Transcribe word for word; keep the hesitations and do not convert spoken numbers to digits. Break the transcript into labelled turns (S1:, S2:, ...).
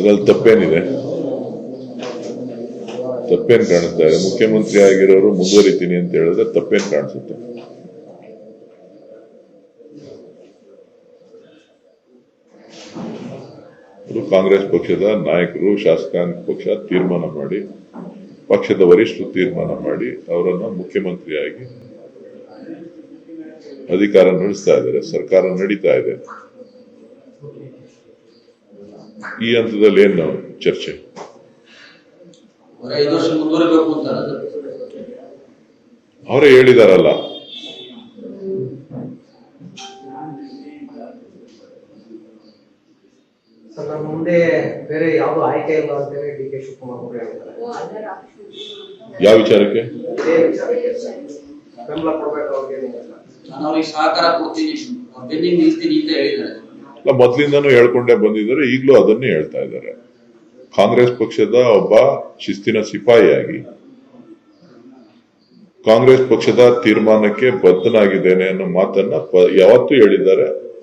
S1: ಅದ್ರಲ್ಲಿ ತಪ್ಪೇನಿದೆ? ತಪ್ಪೇನ್ ಕಾಣಿಸ್ತಾ ಇದೆ? ಮುಖ್ಯಮಂತ್ರಿ ಆಗಿರೋರು ಮುಂದುವರಿತೀನಿ ಅಂತ ಹೇಳಿದ್ರೆ ತಪ್ಪೇನ್ ಕಾಣಿಸುತ್ತೆ? ಕಾಂಗ್ರೆಸ್ ಪಕ್ಷದ ನಾಯಕರು, ಶಾಸಕಾಂಗ ಪಕ್ಷ ತೀರ್ಮಾನ ಮಾಡಿ, ಪಕ್ಷದ ವರಿಷ್ಠರು ತೀರ್ಮಾನ ಮಾಡಿ ಅವರನ್ನ ಮುಖ್ಯಮಂತ್ರಿಯಾಗಿ ಅಧಿಕಾರ ನಡೆಸ್ತಾ ಇದ್ದಾರೆ. ಸರ್ಕಾರ ನಡೀತಾ ಇದೆ. ಈ ಹಂತದಲ್ಲಿ ಏನು ಚರ್ಚೆ? ಅವರೇ ಹೇಳಿದಾರಲ್ಲ.
S2: ಮುಂದೆ ಬೇರೆ ಯಾವ್ದು ಆಯ್ಕೆ ಇಲ್ಲ ಅಂತೇಳಿ ಡಿ ಕೆ ಶಿವಕುಮಾರ್ ಅವರು ಹೇಳಿದ್ದಾರೆ.
S1: ಯಾವ ವಿಚಾರಕ್ಕೆ?
S2: ಬೆಂಬಲ ಕೊಡಬೇಕು ಅವ್ರಿಗೆ,
S3: ಅವ್ರಿಗೆ ಸಹಕಾರ ಕೊಡ್ತೀನಿ, ಬೆನ್ನಿಗೆ ನಿಲ್ತೀನಿ ಅಂತ ಹೇಳಿದ್ದಾರೆ.
S1: ಮೊದಲಿಂದನೂ ಹೇಳ್ಕೊಂಡೇ ಬಂದಿದ್ದಾರೆ, ಈಗಲೂ ಅದನ್ನೇ ಹೇಳ್ತಾ ಇದ್ದಾರೆ. ಕಾಂಗ್ರೆಸ್ ಪಕ್ಷದ ಒಬ್ಬ ಶಿಸ್ತಿನ ಸಿಪಾಯಿಯಾಗಿ ಕಾಂಗ್ರೆಸ್ ಪಕ್ಷದ ತೀರ್ಮಾನಕ್ಕೆ ಬದ್ಧನಾಗಿದ್ದೇನೆ ಅನ್ನೋ ಮಾತನ್ನ ಯಾವತ್ತೂ ಹೇಳಿದ್ದಾರೆ.